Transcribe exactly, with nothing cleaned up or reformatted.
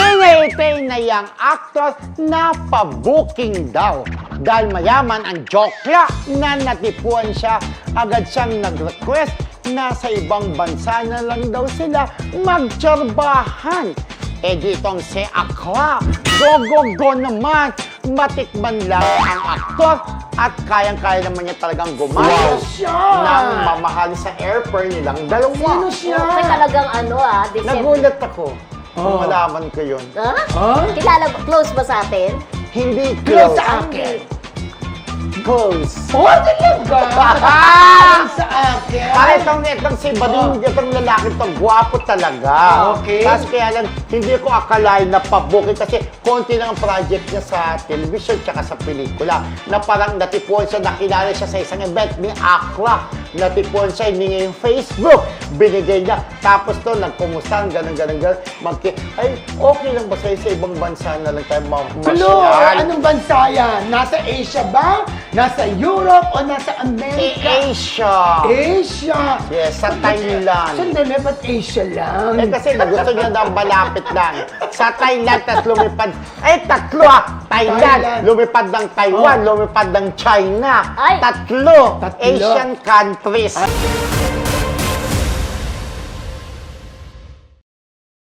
Hinaytay na yang actor na pa-booking daw. Dahil mayaman ang jokla na natipuan siya, agad siyang nag-request na sa ibang bansa na lang daw sila magtsorbahan. Eh ditong si Akla, go-go-go naman, matikman lang ang aktor at kayang-kaya naman niya talagang gumawa ng mamahali sa airfare nilang dalawa. Sino siya? May talagang ano ah, December. Nagulat ako kung Oh. malaman ko yun. Ha? Huh? Kilala ba? Close ba sa atin? Hindi Close close. sa akin. Close. Oh, talaga? Sa akin? Para itong, itong si Bading, itong lalaki itong gwapo talaga. Okay. Tapos kaya lang, hindi ko akalain na pabukin kasi konti lang ang project niya sa television tsaka sa pelikula. Na parang natipuan siya, nakilala siya sa isang event ni Akla. Natipuan siya, hiningi yung Facebook. Binigay niya. Tapos to, nagkumusta, ganun, ganun, ganun. Magki, ay, okay lang ba sa'yo sa ibang bansa na lang tayo Hello, mamasyal? anong bansa yan? Nasa Asia ba? Nasa Europe o nasa Eh, America? Asia. Asia! Yes, sa Thailand. Sandali, ba't Asia lang? Eh kasi gusto niya daw malapit lang. Sa Thailand, tapos lumipad. Eh, tatlo ah! Thailand, Thailand. lumipad ng Taiwan, Oh. lumipad ng China. Ay. Tatlo. Tatlo. Asian countries.